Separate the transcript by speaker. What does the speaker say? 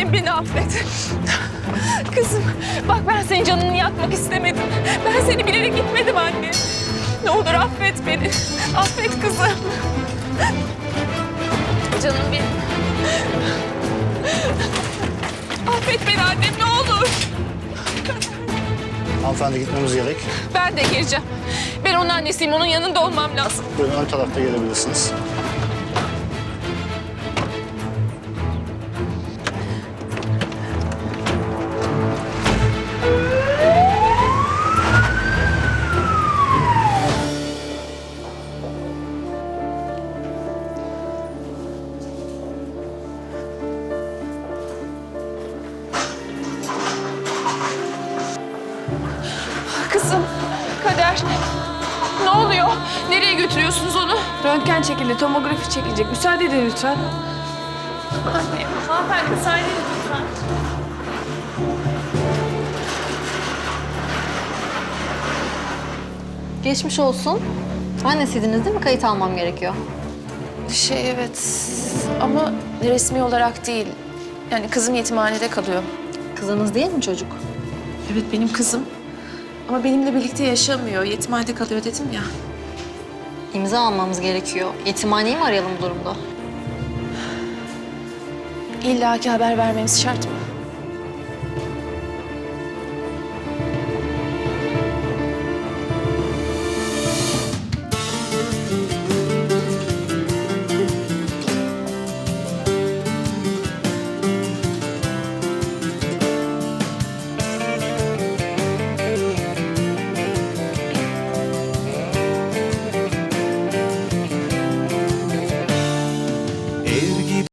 Speaker 1: Annem beni affet. Kızım bak ben senin canını yakmak istemedim. Ben seni bilerek gitmedim anne. Ne olur affet beni. Affet kızım. Canım benim. Affet beni annem ne olur.
Speaker 2: Hanımefendi gitmemiz gerek.
Speaker 1: Ben de geleceğim. Ben onun annesiyim. Onun yanında olmam lazım.
Speaker 2: Buyurun ön tarafta gelebilirsiniz.
Speaker 1: Kızım, Kader. Ne oluyor? Nereye götürüyorsunuz onu?
Speaker 3: Röntgen çekildi, tomografi çekilecek. Müsaade edin lütfen.
Speaker 1: Anne, hanımefendi müsaade edin lütfen.
Speaker 4: Geçmiş olsun. Annesiydiniz değil mi? Kayıt almam gerekiyor.
Speaker 5: Evet ama resmi olarak değil. Yani kızım yetimhanede kalıyor.
Speaker 4: Kızınız değil mi çocuk?
Speaker 5: Evet benim kızım. Ama benimle birlikte yaşamıyor. Yetimhanede kalıyor dedim ya.
Speaker 4: İmza almamız gerekiyor. Yetimhaneyi mi arayalım bu durumda?
Speaker 5: İlla ki haber vermemiz şart mı?